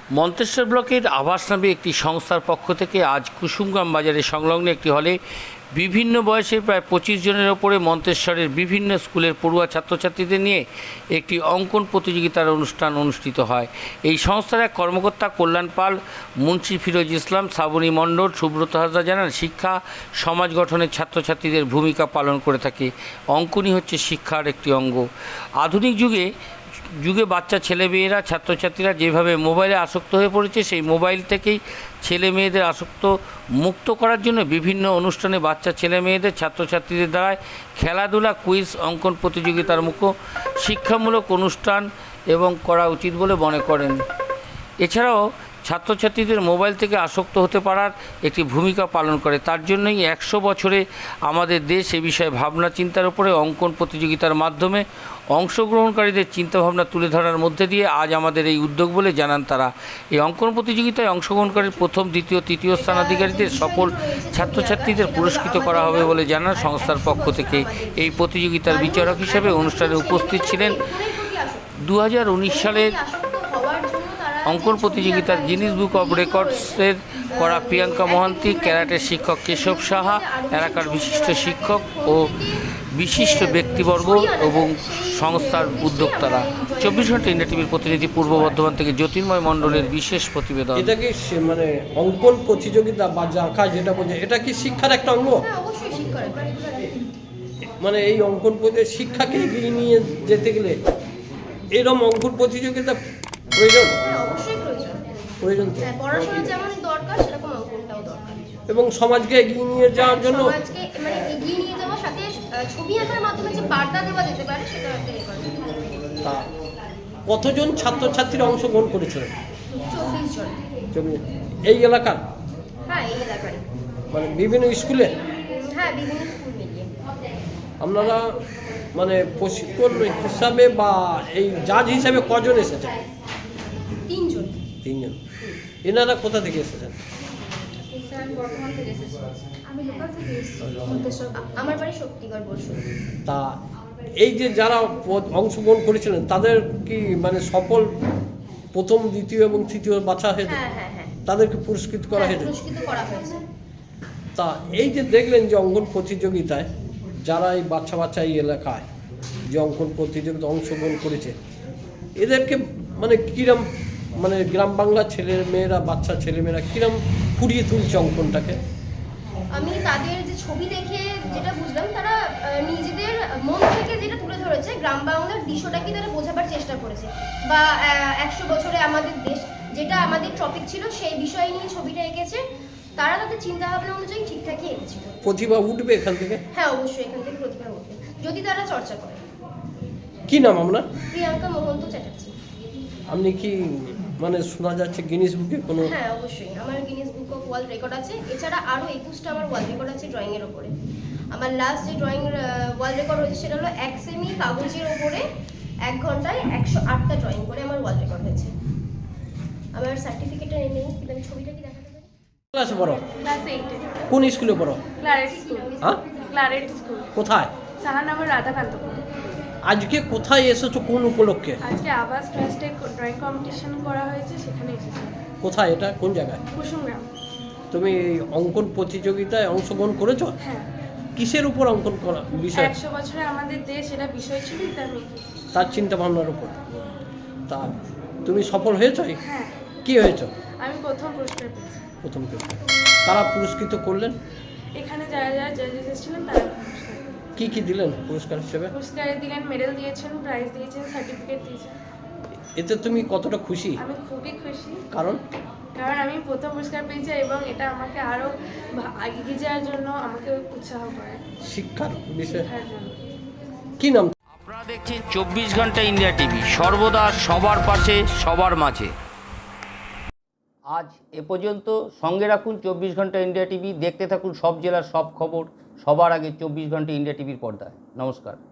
মন্তেশ্বর ব্লকের আবাস নামে একটি সংস্থার পক্ষ থেকে আজ কুসুমগ্রাম বাজারের সংলগ্ন একটি হলে বিভিন্ন বয়সের প্রায় 25 জনের ওপরে মন্তেশ্বরের বিভিন্ন স্কুলের পড়ুয়া ছাত্রছাত্রীদের নিয়ে একটি অঙ্কন প্রতিযোগিতার অনুষ্ঠান অনুষ্ঠিত হয়। এই সংস্থার এক কর্মকর্তা কল্যাণ পাল, মুন্সি ফিরোজ ইসলাম, শ্রাবণী মণ্ডল, সুব্রত হাজরা জানান, শিক্ষা সমাজ গঠনের ছাত্রছাত্রীদের ভূমিকা পালন করে থাকে। অঙ্কনই হচ্ছে শিক্ষার একটি অঙ্গ। আধুনিক যুগে বাচ্চা ছেলেমেয়েরা ছাত্রছাত্রীরা যেভাবে মোবাইলে আসক্ত হয়ে পড়েছে, সেই মোবাইল থেকেই ছেলে মেয়েদের আসক্ত মুক্ত করার জন্য বিভিন্ন অনুষ্ঠানে বাচ্চা ছেলে মেয়েদের ছাত্রছাত্রীদের দ্বারায় খেলাধুলা, কুইজ, অঙ্কন প্রতিযোগিতার মুখো শিক্ষামূলক অনুষ্ঠান এবং করা উচিত বলে মনে করেন। এছাড়াও ছাত্রছাত্রীদের মোবাইল থেকে আসক্ত হতে পারার একটি ভূমিকা পালন করে। তার জন্যই 100 বছরে আমাদের দেশ এ বিষয়ে ভাবনা চিন্তার উপরে অঙ্কন প্রতিযোগিতার মাধ্যমে অংশগ্রহণকারীদের চিন্তাভাবনা তুলে ধরার মধ্যে দিয়ে আজ আমাদের এই উদ্যোগ বলে জানান তারা। এই অঙ্কন প্রতিযোগিতায় অংশগ্রহণকারী প্রথম, দ্বিতীয়, তৃতীয় স্থানাধিকারীদের সকল ছাত্রছাত্রীদের পুরস্কৃত করা হবে বলে জানান সংস্থার পক্ষ থেকে। এই প্রতিযোগিতার বিচারক হিসেবে অনুষ্ঠানে উপস্থিত ছিলেন 2019 সালের অঙ্কন প্রতিযোগিতার গিনিস বুক অব রেকর্ডসের করা প্রিয়াঙ্কা মহান্তি, ক্যারাটের শিক্ষক কেশব সাহা, এলাকার বিশিষ্ট শিক্ষক ও বিশিষ্ট ব্যক্তিবর্গ এবং সংস্থার উদ্যোক্তারা। 24 ঘন্টা ইন্ডিয়া টিভির প্রতিনিধি পূর্ব বর্ধমান থেকে জ্যোতির্ময় মণ্ডলের বিশেষ প্রতিবেদন। এটা কি মানে অঙ্কন প্রতিযোগিতা বা আঁকা যেটা বলছে, এটা কি শিক্ষার একটা অঙ্গ? মানে এই অঙ্কন প্রতিযোগিতা শিক্ষাকে এগিয়ে নিয়ে যেতে গেলে এরকম অঙ্কন প্রতিযোগিতা প্রয়োজন? প্রয়োজন তো। পড়াশোনা যেমন দরকার সেরকম অঙ্কনটাও দরকার। এবং সমাজকে এগিয়ে নিয়ে যাওয়ার জন্য সমাজকে মানে এগিয়ে নিয়ে যাওয়ার সাথে ছবি আঁকার মাধ্যমে যে বার্তা দেওয়া যেতে পারে সেটা একটা রেকর্ড। তা কতজন ছাত্রছাত্রীরা অংশগ্রহণ করেছিলেন? 24 জন। এই এলাকার? হ্যাঁ, এই এলাকার। মানে বিভিন্ন স্কুলে? হ্যাঁ, বিভিন্ন স্কুল মিলিয়ে। আপনারা মানে প্রশিক্ষণ হিসাবে বা এই জাজ হিসাবে কজন এসেছেন? 3 জন। 3 জন। এনারা কোথা থেকে এসেছেন? বর্ধমান থেকে এসেছি। আমি লোকাল থেকে এসেছি। আমার বাড়ি শক্তিগড় বসু। তা এই যে যারা অংশগ্রহণ করেছিলেন তাদের কি মানে সফল প্রথম, দ্বিতীয় এবং তৃতীয় বাছা হয়েছে? হ্যাঁ। তাদেরকে পুরস্কৃত করা হয়েছে? পুরস্কৃত করা হয়েছে। তা এই যে দেখলেন যে অঙ্কন প্রতিযোগিতায় যারা এই বাচ্চা এই এলাকায় যে অঙ্কন প্রতিযোগিতায় অংশগ্রহণ করেছে, এদেরকে মানে কিরম মানে গ্রাম বাংলার বাচ্চা ছেলেমেয়েরা কিরম ফুরিয়ে তুলছে অঙ্কনটাকে? আমি তাদের যে ছবি দেখে যেটা বুঝলাম, তারা নিজেদের মন থেকে যেটা তুলে ধরেছে, গ্রাম বাংলার দৃশ্যটাকে তারা বোঝাবার চেষ্টা করেছে। বা 100 বছরে আমাদের দেশ, যেটা আমাদের টপিক ছিল, সেই বিষয় নিয়ে ছবিটা এঁকেছে। তারা তাদের চিন্তা ভাবনা অনুযায়ী ঠিকঠাকই এঁকেছিল। প্রতিভা উঠবে এখান থেকে? হ্যাঁ, অবশ্যই এখান থেকে প্রতিভা উঠবে যদি তারা চর্চা করে। কি নাম আপনার? প্রিয়াঙ্কা মহন্ত চ্যাটার্জি। আপনি কি মানে শোনা যাচ্ছে গিনিস বুকে কোনো? হ্যাঁ, অবশ্যই আমার Guinness book of world record আছে। এছাড়া আরও 21টা আমার ওয়ার্ল্ড রেকর্ড আছে ড্রয়িংয়ের ওপরে। আমার লাস্ট যে ড্রয়িং ওয়ার্ল্ড রেকর্ড হয়েছে সেটা হলো 1 সেমি কাগজের ওপরে 1 ঘন্টায় 108টা ড্রয়িং করে আমার ওয়ার্ল্ড রেকর্ড হয়েছে। আমার সার্টিফিকেটটা নেই, কিন্তু আমি ছবিটা কি দেখাতে পারি? ক্লাসে পড়ো? ক্লাস 8 এ। কোন স্কুলে পড়ো? Claret school. হ্যাঁ, ক্লারেট স্কুল। কোথায়? সাহানগর রাধাকান্তপুর। আজকে কোথায় এসেছো, কোন উপলক্ষে? আজকে আবাস ট্রাস্টে ড্রয়িং কম্পিটিশন করা হয়েছে, সেখানে এসেছি। কোথায় এটা, কোন জায়গায়? কুসুমগ্রাম। তুমি এই অঙ্কন প্রতিযোগিতায় অংশগ্রহণ করেছো? হ্যাঁ। কিসের উপর অঙ্কন করা বিষয়? 100 বছরে আমাদের দেশ, এটা বিষয় ছিল, তাই আমি তার চিন্তা ভাবনার উপর। তা তুমি সফল হয়েছো? হ্যাঁ, কি হয়েছো? আমি প্রথম পুরস্কার পেয়েছি। প্রথম কেউ কারা পুরস্কৃত করলেন? এখানে যারা জাজেস এসেছিলেন তারা কি দিলেন পুরস্কার হিসেবে? পুরস্কারে দিলেন, মেডেল দিয়েছেন, প্রাইজ দিয়েছেন, সার্টিফিকেট দিয়েছেন। এতে তুমি কতটা খুশি? আমি খুবই খুশি। কারণ আমি প্রথম পুরস্কার পেয়েছি এবং এটা আমাকে আরও এগিয়ে যাওয়ার জন্য আমাকে উৎসাহ করে। শিক্ষার বিষয়। শিক্ষার জন্য। কি নাম? আপনারা দেখছেন 24 ঘন্টা ইন্ডিয়া টিভি, সর্বদা সবার পাশে, সবার মাঝে। আজ এ পর্যন্ত। সঙ্গে রাখুন 24 ঘন্টা ইন্ডিয়া টিভি। দেখতে থাকুন সব জেলার সব খবর সবার আগে 24 ঘন্টা ইন্ডিয়া টিভির পর্দায়। নমস্কার।